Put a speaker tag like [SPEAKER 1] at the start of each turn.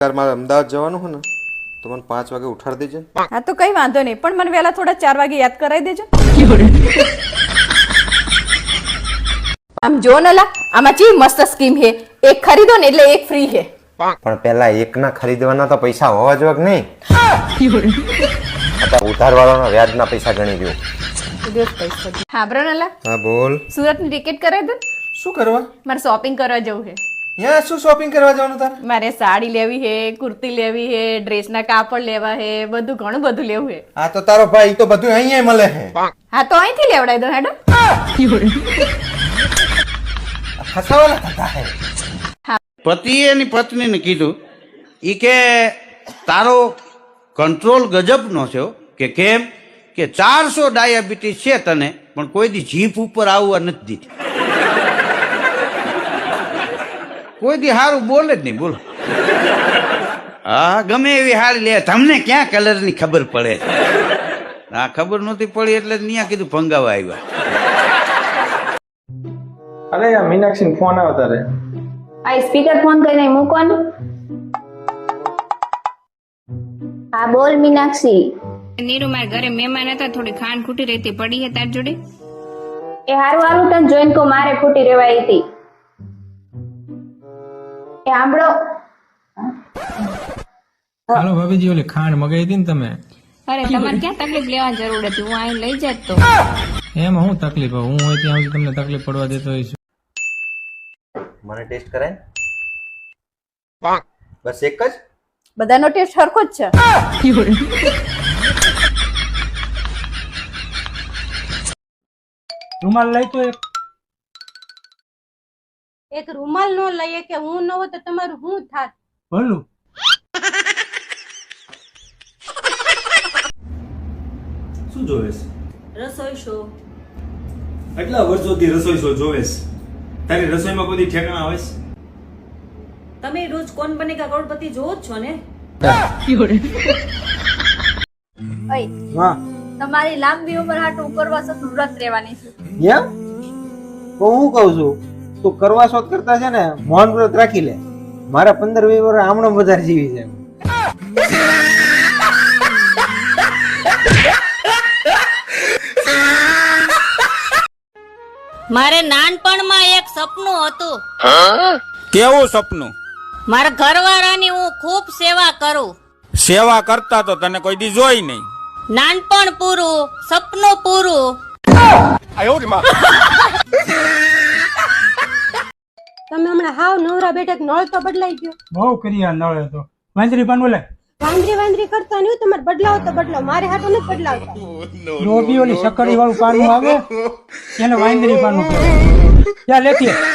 [SPEAKER 1] यार मारे अमदावाद जवानुं हो ने तो मन 5 वागे उठाड़ देजे।
[SPEAKER 2] हाँ तो कई वांधो नहीं, पण मन वेला थोड़ा 4 वागे याद कराई देजो। आम जो नला आमा ची मस्त स्कीम है, एक खरीदो ने એટલે એક ફ્રી है।
[SPEAKER 1] પણ પહેલા એકના ખરીદવાના તો પૈસા હોવા જોઈએ કે નહીં? અત્યારે ઉધારવાળાના વ્યાજના પૈસા ગણી દો।
[SPEAKER 2] હા બ્રનલા,
[SPEAKER 1] હા બોલ।
[SPEAKER 2] સુરતની ટિકિટ કરાવી દો।
[SPEAKER 1] શું કરવા?
[SPEAKER 2] મારે શોપિંગ કરવા જવું છે।
[SPEAKER 1] यहाँ શું શોપિંગ કરવા જવાનું તારે?
[SPEAKER 2] મારે સાડી લેવી છે, કુર્તી લેવી છે, ડ્રેસના કાપડ લેવા છે, બધું ઘણું બધું લેવું છે।
[SPEAKER 1] આ તો તારો ભાઈ તો બધું અહીંયા મળે છે।
[SPEAKER 2] હા તો અહીંથી લેવડાવી દો હેડો।
[SPEAKER 1] ફસાવાના થતા હે।
[SPEAKER 3] પતિએ એની પત્નીને કીધું ઈ કે તારો કંટ્રોલ ગજબનો છે કે કેમ કે 400 ડાયાબિટીસ છે તને પણ કોઈ દી જીભ ઉપર આવવા નથી દીધી, કોઈ દી સારું બોલે જ નહીં। બોલો હા ગમે એવી હારી લે, તમને ક્યાં કલરની ખબર પડે છે? આ ખબર નહોતી પડી એટલે નિયા કીધું ભંગાવા આવ્યા।
[SPEAKER 4] અરે યાર મીનાક્ષી ફોન આવ્યો તારે।
[SPEAKER 5] આ સ્પીકર ફોન કરીને મૂકો ને। હા બોલ મીનાક્ષી।
[SPEAKER 6] નીરુ મારા ઘરે મહેમાન હતા, થોડી ખાંડ ખૂટી રહેતી પડી હે તાર જોડે?
[SPEAKER 5] એ હારું હારું તને જોઈને કો મારે ખૂટી રેવાઈ હતી। એ સાંભળો,
[SPEAKER 7] હાલો ભાભીજી, ઓલી ખાંડ મગાવી હતી ને તમે?
[SPEAKER 6] અરે તમારે ક્યાં તકલીફ લેવાની જરૂર હતી, હું અહીં લઈ જાત તો।
[SPEAKER 7] એમાં હું તકલીફ? હું હોય ત્યાં સુધી તમને તકલીફ પડવા દેતો હોઈશ?
[SPEAKER 1] મને ટેસ્ટ કરાય? બસ એક જ?
[SPEAKER 2] બધાનો ટેસ્ટ સરખો જ છે।
[SPEAKER 7] રૂમાલ લઈ તો
[SPEAKER 8] એક રૂમાલ નો લઈએ કે હું ન હોય તો તમારું શું થાત?
[SPEAKER 7] ભલું
[SPEAKER 9] શું જોવેસ?
[SPEAKER 8] રસોઈ શો।
[SPEAKER 9] આટલા વર્ષોથી રસોઈ શો જોવેસ, તારી રસોઈમાં કોઈ ઠેકાણા હોય?
[SPEAKER 8] તમે રોજ કોણ બનેગા કરોડપતિ જોવો જ છો ને?
[SPEAKER 2] ઓય
[SPEAKER 4] હા
[SPEAKER 2] તમારી લાંબી ઉંમર હાટુ ઉપરવાસ વ્રત રહેવાની છે।
[SPEAKER 4] એમ તો હું કહું છું તું કરવા શોધ કરતા છે ને મૌન વ્રત રાખી લે। મારા 15-20 વર્ષ આમણો બજાર જીવી છે।
[SPEAKER 6] મારે નાનપણમાં એક સપનું હતું।
[SPEAKER 3] કેવું સપનું?
[SPEAKER 6] મારા ઘરવાળાની હું ખૂબ સેવા કરું।
[SPEAKER 3] સેવા કરતા તો તને કોઈ દી જોઈ નહીં।
[SPEAKER 6] નાનપણ પૂરું, સપનું પૂરું।
[SPEAKER 8] તમે હમણાં હાવ નવરા બેઠક નળ તો બદલાઈ ગયો।
[SPEAKER 7] બહુ કરી આ નળે તો વાંદરી પાન બોલે
[SPEAKER 8] વાંદરી કરતા નહીં, તમારે બદલાવો તો બદલાવો, મારે હાટો નથી બદલાવતા।
[SPEAKER 7] ડોબી ઓલી સકડી વાળું પાનું આવે એને વાંદરી પાનું કહેવાય। ક્યાં લેતી